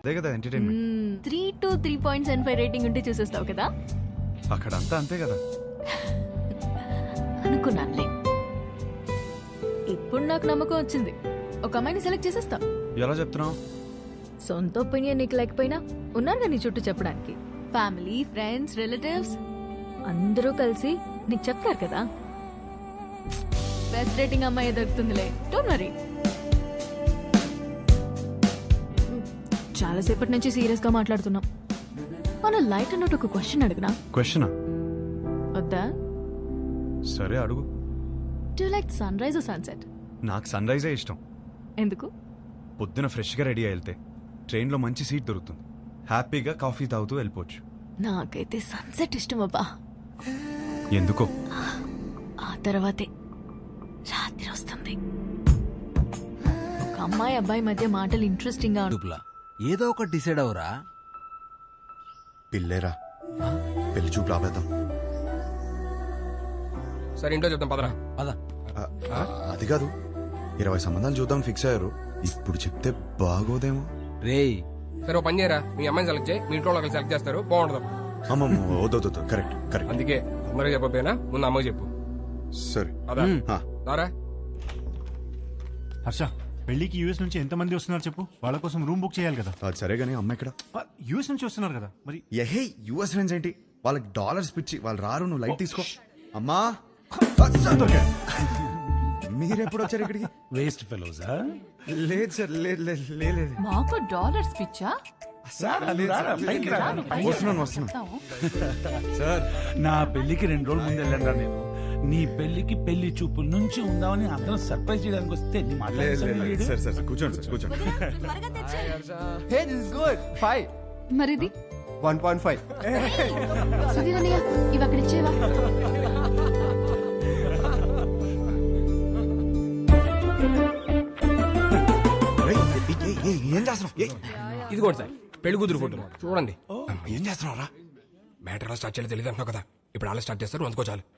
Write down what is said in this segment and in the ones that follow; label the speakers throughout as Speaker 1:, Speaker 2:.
Speaker 1: అదే కదా entertainment.
Speaker 2: 3 to 3.75 rating ఉంటే చూసేస్తావు కదా.
Speaker 1: అక్కడ అంతా అంతే కదా.
Speaker 2: అనుకున్నానులే. ఇప్పుడు నాకు నమ్మకం వచ్చింది, ఒక అమ్మాయిని సెలెక్ట్ చేసేస్తా.
Speaker 1: ఎలా చెప్తున్నావు?
Speaker 2: సొంత ఒపీనియన్ నీకు లేకపోయినా ఉన్నారుగా నీ చుట్టూ చెప్పడానికి. ఫ్యామిలీ, ఫ్రెండ్స్, రిలేటివ్స్ అందరూ కలిసి నీకు చెప్తారు కదా. బెస్ట్ రేటింగ్ అమ్మాయి దొరుకుతుందిలే, డోంట్ వరీ. చాలాసేపటి నుంచి సీరియస్ గా మాట్లాడుతున్నాం. మన లైట్ అన్నట్టు ఒక క్వశ్చన్ అడిగినా.
Speaker 1: క్వశ్చనా?
Speaker 2: వద్దా?
Speaker 1: సరే అడుగు.
Speaker 2: Do you like sunrise or sunset?
Speaker 1: నాకు సన్ రైజే ఇష్టం.
Speaker 2: ఎందుకు?
Speaker 1: పొద్దున ఫ్రెష్గా రెడీ అయి వెళ్తే ట్రైన్లో మంచి సీట్ దొరుకుతుంది, హ్యాపీగా కాఫీ తాగుతూ వెళ్ళిపోవచ్చు.
Speaker 2: నాకైతే సన్సెట్ ఇష్టం అబ్బా.
Speaker 1: ఎందుకో?
Speaker 2: ఆ తర్వాతే రాత్రి వస్తుంది. ఒక అమ్మాయి అబ్బాయి మధ్య మాటలు ఇంట్రెస్టింగ్ గా
Speaker 3: డుప్లా ఏదో ఒకటి డిసైడ్ అవరా.
Speaker 1: పిల్లేరా, పెళ్లి చూపు రాబేద్దాం.
Speaker 4: సరే ఇంట్లో చెప్తాం పదరా.
Speaker 3: పద.
Speaker 1: అది కాదు, 20 సంబంధాలు చూద్దాం ఫిక్స్ అయ్యారు. ఇప్పుడు చెప్తే బాగోదేమో.
Speaker 3: రేయ్
Speaker 4: సరే ఓ పని చేయరా, మీ అమ్మాయిని సెలెక్ట్ చేయి, మీ ఇంట్లో వాళ్ళకి సెలెక్ట్ చేస్తారు, బాగుండదు.
Speaker 1: అమ్మమ్మ వద్దు, కరెక్ట్ కరెక్ట్.
Speaker 4: అందుకే అందరూ చెప్పకపోయినా ముందు అమ్మకి చెప్పు.
Speaker 1: సరే
Speaker 4: అదా దారా.
Speaker 5: హర్ష, పెళ్లికి యూఎస్ నుంచి ఎంతమంది వస్తున్నారు చెప్పు, వాళ్ళ కోసం రూమ్ బుక్ చేయాలి కదా.
Speaker 1: అది సరే గానీ అమ్మ ఇక్కడ.
Speaker 5: యూఎస్ నుంచి వస్తున్నారు కదా మరి.
Speaker 1: ఎహే యుఎస్ ఫ్రెండ్స్ ఏంటి, వాళ్ళకి డాలర్స్ పిచ్చి, వాళ్ళు రారు, నువ్వు లైట్ తీసుకో. అమ్మా మీరెప్పుడు వచ్చారు ఇక్కడికి?
Speaker 6: వేస్ట్ ఫెలోజా?
Speaker 1: లేదు సార్, లేదు.
Speaker 7: మాకు డాలర్స్ పిచ్చా?
Speaker 1: వస్తున్నాను సార్.
Speaker 6: నా పెళ్లికి 2 రోజుల ముందు వెళ్ళండి నేను. నీ పెళ్లికి పెళ్లి చూపుల నుంచి ఉందామని అందరం సర్ప్రైజ్ చేయడానికి వస్తే నీ
Speaker 1: సార్ కూర్చోండి.
Speaker 8: Hey, this is good. 5.
Speaker 2: మరిది
Speaker 8: 1.5.
Speaker 2: సుధీరన్నయ్య, ఇవి అక్కడ ఇచ్చేవా?
Speaker 1: ఏం చేస్తున్నావు?
Speaker 4: ఇది కూడా సార్ పెళ్లి కూతురు ఫోటో చూడండి.
Speaker 1: ఏం చేస్తున్నావురా?
Speaker 4: మ్యాటర్ ఎలా స్టార్ట్ చేయాలో తెలియదు అంటున్నావు కదా, ఇప్పుడు అలా స్టార్ట్ చేస్తారు, అందుకో చాలు.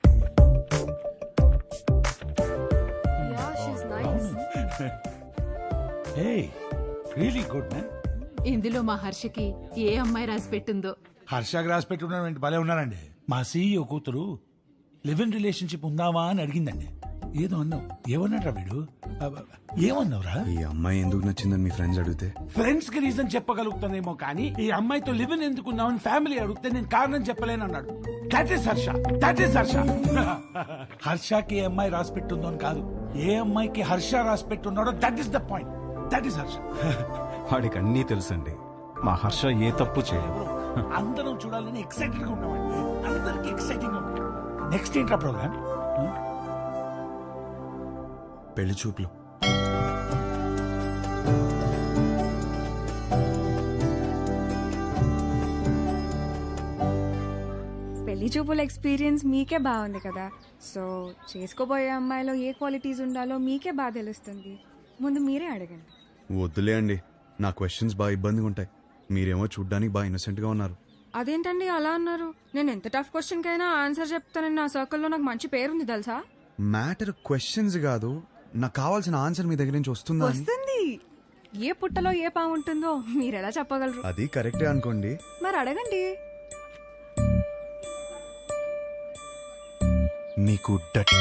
Speaker 6: Really good man.
Speaker 7: ఇందులో మా హర్షకి ఏ అమ్మాయి రాసి పెట్టిందో.
Speaker 6: హర్షకి రాసి పెట్టుకున్న భలే ఉన్నారండి. మా సీఈఓ కూతురు లివ్ ఇన్ రిలేషన్షిప్ ఉందావా అని అడిగిందండి. ఏదో అన్నావు, ఏమన్నాడ్రా వీడు? ఏమన్నావురా?
Speaker 1: ఈ అమ్మాయి ఎందుకు నచ్చిందని మీ ఫ్రెండ్స్ అడిగితే
Speaker 6: ఫ్రెండ్స్ కి రీజన్ చెప్పగలుగుతానేమో కానీ ఈ అమ్మాయితో లివ్ ఇన్ ఎందుకున్నావని ఫ్యామిలీ అడిగితే నేను కారణం చెప్పలేను అన్నాడు. That is Harsha. హర్షకి ఏ అమ్మాయి రాసి పెట్టుందో అని కాదు, ఏ అమ్మాయికి హర్ష రాసి పెట్టున్నాడో that is the point. That is Harsha.
Speaker 9: వాడికి అన్నీ తెలుసండి, మా హర్ష ఏ తప్పు చేయదు.
Speaker 6: అందరం చూడాలని ఎక్సైటెడ్ గా ఉన్నామండి, అందరికి ఎక్సైటింగ్ గా ఉంది. నెక్స్ట్ ఏంట్రా ప్రోగ్రామ్?
Speaker 1: పెళ్లి చూపులు.
Speaker 10: పెళ్లి చూపుల ఎక్స్పీరియన్స్ మీకే బాగుంది కదా, సో చేసుకోబోయే అమ్మాయిలో ఏ క్వాలిటీస్ ఉండాలో మీకే బాగా తెలుస్తుంది. ముందు మీరే అడగండి.
Speaker 1: వద్దులే అండి, నా క్వశ్చన్స్ బాగా ఇబ్బందిగా ఉంటాయి. మీరేమో చూడ్డానికి బాగా ఇన్నోసెంట్ గా ఉన్నారు.
Speaker 10: అదేంటండి అలా అన్నారు? నేను ఎంత టఫ్ క్వశ్చన్ కైనా ఆన్సర్ చెప్తానని నా సర్కిల్లో నాకు మంచి పేరుంది తెలుసా.
Speaker 1: మ్యాటర్ క్వశ్చన్స్ కాదు, నాకు కావాల్సిన ఆన్సర్ మీ దగ్గర నుంచి వస్తుందా?
Speaker 10: వస్తుంది. ఏ పుట్టలో ఏ పాము ఉంటుందో మీరు ఎలా చెప్పగలరు?
Speaker 1: అది కరెక్టే అనుకోండి.
Speaker 10: మరి అడగండి.
Speaker 1: మీకు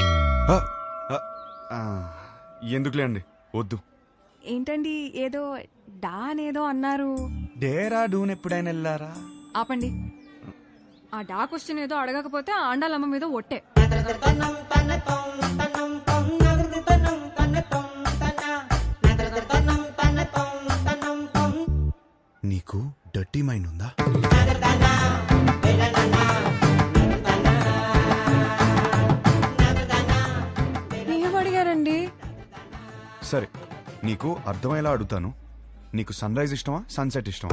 Speaker 1: ఎందుకులే అండి, వద్దు.
Speaker 10: ఏంటండి ఏదో డా అనేదో అన్నారు?
Speaker 1: డేరా డూన్ ఎప్పుడైనా వెళ్ళారా?
Speaker 10: ఆపండి. ఆ డా క్వశ్చన్ ఏదో అడగకపోతే ఆండాలమ్మ మీద ఒట్టే.
Speaker 1: నీకు డర్టీ మైండ్ ఉందా?
Speaker 10: ఏం అడిగారండి?
Speaker 1: సరే, నీకు అర్థమయ్యేలా అడుగుతాను. నీకు సన్ రైజ్ ఇష్టమా, సన్సెట్ ఇష్టమా?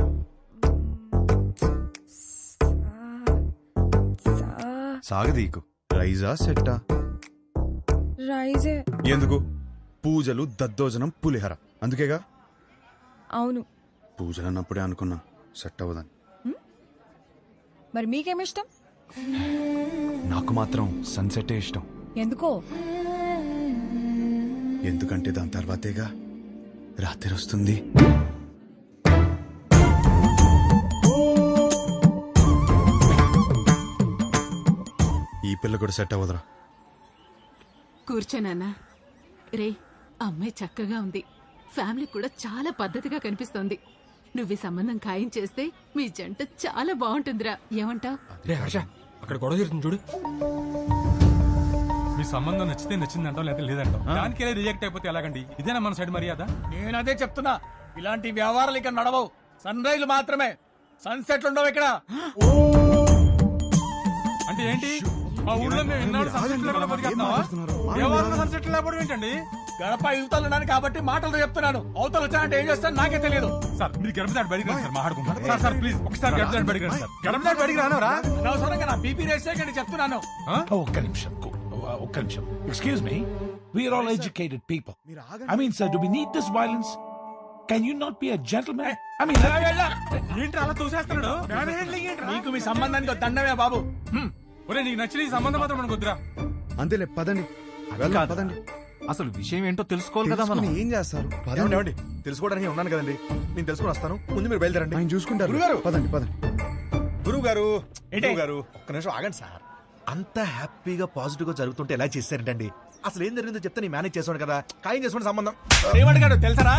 Speaker 1: సాగదీకు. రైజా సెట్టా?
Speaker 10: రైజే.
Speaker 1: ఎందుకు? పూజలు, దద్దోజనం, పులిహర, అందుకేగా.
Speaker 10: అవును.
Speaker 1: పూజలు అన్నప్పుడే అనుకున్నా సెట్ అవ్వదని.
Speaker 10: మరి మీకేమిష్టం?
Speaker 1: నాకు మాత్రం సన్సెటే ఇష్టం.
Speaker 10: ఎందుకో?
Speaker 1: ఎందుకంటే దాని తర్వాతేగా రాత్రి వస్తుంది. పిల్ల కూడా సెట్ అవ్వదురా.
Speaker 7: కూర్చోనన్నా. రే, అమ్మాయి చక్కగా ఉంది, ఫ్యామిలీ కూడా చాలా పద్ధతిగా కనిపిస్తోంది. నువ్వు ఈ సంబంధం ఖాయం చేస్తే మీ జంట చాలా బాగుంటుందిరా. ఏమంటావ్?
Speaker 4: రే హర్ష, అక్కడ గొడవ జరుగుతుంది చూడు.
Speaker 11: మీ సంబంధం నచ్చితే నచ్చిందంటాం, లేదా లేదంటాం. దానికి రిజెక్ట్ అయిపోతే ఎలాగండి? ఇదేనా మన సైడ్ మర్యాద?
Speaker 6: నేను అదే చెప్తున్నా, ఇలాంటి వ్యవహారాలు ఇక్కడ నడవవు. సన్ రైజ్ మాత్రమే, సన్సెట్లు ఉండవు ఇక్కడ.
Speaker 11: అంటే ఏంటి? మా ఊళ్ళో మేము ఎన్నాడు సన్సెట్ లేకుండా బతికేస్తున్నావా? ఎవరు సన్సెట్ లేకపోవడం ఏంటండి?
Speaker 6: గడప యువతలున్నాను కాబట్టి మాటలు చెప్తున్నాను. అవతలు వచ్చానంటే ఏం చేస్తాను నాకే తెలియదు.
Speaker 11: సార్ మీరు గడప దాటి బయటికి రండి సార్, మాట్లాడుకుంటారు. సార్ సార్ ప్లీజ్ ఒకసారి గడప దాటి బయటికి రండి సార్. గడప దాటి బయటికి రానవరా?
Speaker 6: అనవసరంగా నా బీపీ రేస్ చేయకండి చెప్తున్నాను. ఒక్క నిమిషం. Excuse me, we're all educated people. I mean sir, do we need this violence? Can you not be a gentlemen? I mean
Speaker 11: ఏంటి అలా చూసేస్తున్నాడు?
Speaker 6: నీకు మీ సంబంధానికి ఒక దండమే బాబు.
Speaker 11: ఒరే నీకు నచ్చిన ఈ సంబంధం మాత్రం మనకు వద్దురా.
Speaker 1: అంతేలే, పదండి.
Speaker 9: కాదు.
Speaker 1: పదండి.
Speaker 9: అసలు విషయం ఏంటో తెలుసుకోవాలి కదా మనం.
Speaker 1: ఏం చేస్తారు?
Speaker 8: ఏమండి తెలుసుకోవడానికి ఉన్నాను కదండి, నేను తెలుసుకుని వస్తాను. ముందు మీరు బయలుదేరండి.
Speaker 1: ఆయన చూసుకుంటారు.
Speaker 8: గురుగారు!
Speaker 1: పదండి పదండి.
Speaker 8: గురువు గారు, ఒక్క నిమిషం ఆగండి సార్. అంత హ్యాపీగా పాజిటివ్ గా జరుగుతుంటే ఎలా చేశారంటండి? అసలు ఏం జరిగిందో చెప్తే నేను మేనేజ్ చేసాను కదా. ఖాయం చేసుకోండి సంబంధం.
Speaker 6: ఏమడిగాడు తెలుసరా?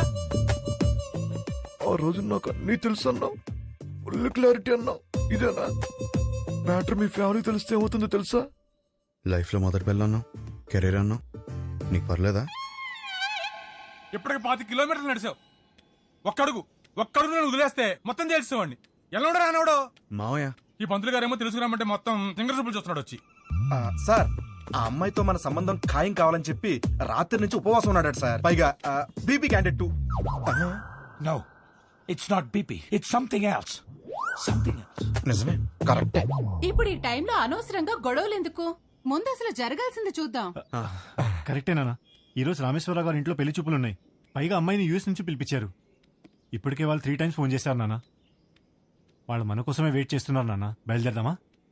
Speaker 8: ఆ రోజు నాకు అన్నీ తెలుసు అన్నావు, ఫుల్ క్లారిటీ అన్నావు. ఇదేనా మ్యాటర్? మీ ఫ్యామిలీ తెలిస్తే ఏమవుతుందో తెలుసా?
Speaker 1: లైఫ్ లో మొదటి పిల్ల అన్నావు, కెరీర్ అన్నావు, నీకు పర్లేదా?
Speaker 11: ఇప్పటికి 5 కిలోమీటర్లు నడిచావు. ఒక్కడుగు నేను వదిలేస్తే మొత్తం తెలుసుకోండి. ఎలా రానవడో
Speaker 1: మావయ్య,
Speaker 11: ఈ పంతులు గారేమో తెలుసుకురామంటే మొత్తం సింగర్ సూపులు చూస్తున్నాడు వచ్చి.
Speaker 8: సార్, ఆ అమ్మాయితో మన సంబంధం ఖాయం కావాలని చెప్పి రాత్రి నుంచి ఉపవాసం ఉన్నాడు సార్. పైగా BP candidate 2.
Speaker 6: No, it's not BP, it's something else.
Speaker 8: నిజమే, కరెక్టే.
Speaker 7: ఇప్పుడు ఈ టైంలో అనవసరంగా గొడవలు ఎందుకు? ముందు అసలు జరగాల్సింది చూద్దాం.
Speaker 5: కరెక్టేనా? ఈ రోజు రామేశ్వరరావు గారి ఇంట్లో పెళ్లి చూపులున్నాయి. పైగా అమ్మాయిని యూఎస్ నుంచి పిలిపించారు. ఇప్పటికే వాళ్ళు 3 times ఫోన్ చేశారు నాన్న. వాళ్ళు మన కోసమే వెయిట్ చేస్తున్నారు నాన్న. బయలుదేరదామా?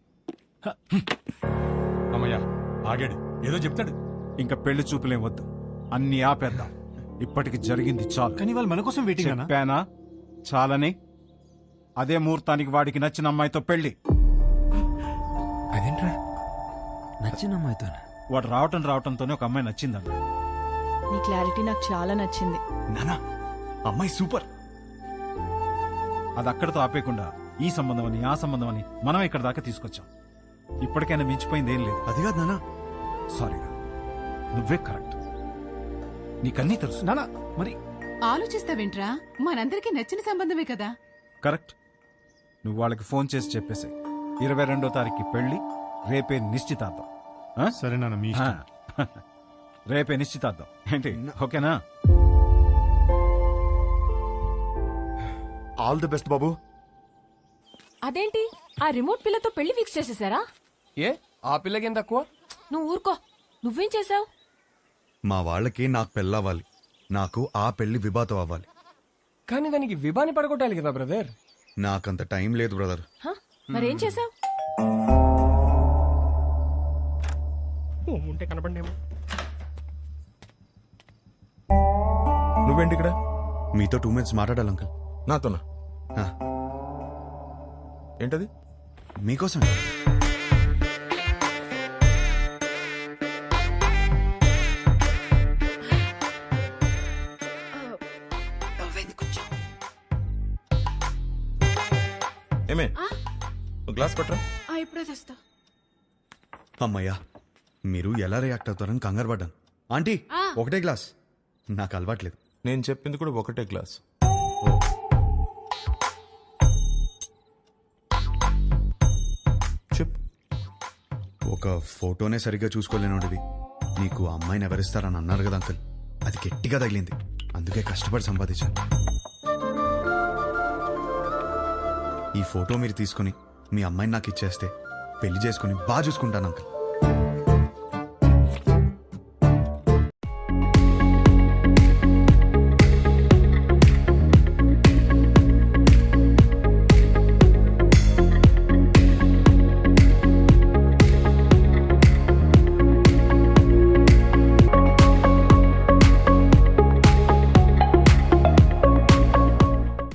Speaker 11: అమ్మయ్యా ఆగాడు, ఏదో చెప్తాడు.
Speaker 9: ఇంకా పెళ్లి చూపులేం వద్దు, అన్ని ఆపేద్దాం. ఇప్పటికి జరిగింది చాలు.
Speaker 5: కానీ వాళ్ళు మన కోసం వెయిటింగ్ అన్న.
Speaker 9: చెప్పానా చాలని? అదే ముహూర్తానికి వాడికి నచ్చిన అమ్మాయితో పెళ్లి.
Speaker 4: అదేంట్రా?
Speaker 3: నచ్చిన అమ్మాయితో
Speaker 9: వాడు రావటంతోనే ఒక అమ్మాయి నచ్చిందన్న.
Speaker 2: నీ క్లారిటీ నాకు చాలా నచ్చింది.
Speaker 1: నానా అమ్మాయి సూపర్.
Speaker 9: అది అక్కడితో ఆపేయకుండా ఈ సంబంధం అని ఆ సంబంధం అని మనం ఇక్కడ దాకా తీసుకొచ్చాం. ఇప్పటికైనా మించిపోయింది ఏం లేదు.
Speaker 1: అది కాదు నానా.
Speaker 9: సారీరా, నువ్వే కరెక్ట్. నీకన్నీ తెలుసు.
Speaker 5: నాన్న మరి
Speaker 7: ఆలోచిస్తావేంట్రా? మనందరికీ నచ్చిన సంబంధమే కదా.
Speaker 9: కరెక్ట్. నువ్వు వాళ్ళకి ఫోన్ చేసి చెప్పేసే 22వ తారీఖు పెళ్లి, రేపే నిశ్చితార్థం. ఆ?
Speaker 5: సరే నాన్న, మీ ఇష్టం.
Speaker 9: రేపే నిశ్చితార్థం ఏంటి? ఓకేనా?
Speaker 8: ఆల్ ది బెస్ట్ బాబు.
Speaker 2: అదేంటి ఆ రిమోట్ పిల్లతో పెళ్లి ఫిక్స్ చేసేసారా?
Speaker 4: ఏ ఆ పిల్లకి ఏం తక్కువ?
Speaker 2: నువ్వు ఊరుకో. నువ్వేం చేసావు?
Speaker 1: మా వాళ్ళకి నాకు పెళ్ళవ్వాలి, నాకు ఆ పెళ్లి విభాతం అవ్వాలి.
Speaker 4: కానీ దానికి విభాని పడగొట్టాలి కదా బ్రదర్.
Speaker 1: నాకంత టైం లేదు బ్రదర్.
Speaker 2: మరేం చేసావు?
Speaker 4: ఉంటే కనపడేమో.
Speaker 8: నువ్వేంటి ఇక్కడ?
Speaker 1: మీతో 2 minutes మాట్లాడాలి అంకుల్.
Speaker 8: నాతోనా? ఏంటది?
Speaker 1: మీకోసం.
Speaker 8: ఏమే, గ్లాస్ పట్టరా.
Speaker 7: ఇప్పుడే తెస్తా.
Speaker 1: అమ్మయ్యా, మీరు ఎలా రియాక్ట్ అవుతారని కంగారు పడ్డాను. ఆంటీ, ఒకటే గ్లాస్. నాకు అలవాట్లేదు.
Speaker 8: నేను చెప్పింది కూడా ఒకటే గ్లాస్. చెప్పు.
Speaker 1: ఒక ఫోటోనే సరిగ్గా చూసుకోలేనోడివి నీకు ఆ అమ్మాయిని ఎవరిస్తారని అన్నారు కదా అంకుల్. అది గట్టిగా తగిలింది, అందుకే కష్టపడి సంపాదించాను. ఈ ఫోటో మీరు తీసుకుని మీ అమ్మాయిని నాకు ఇచ్చేస్తే పెళ్లి చేసుకుని బాగా చూసుకుంటాను అంకుల్.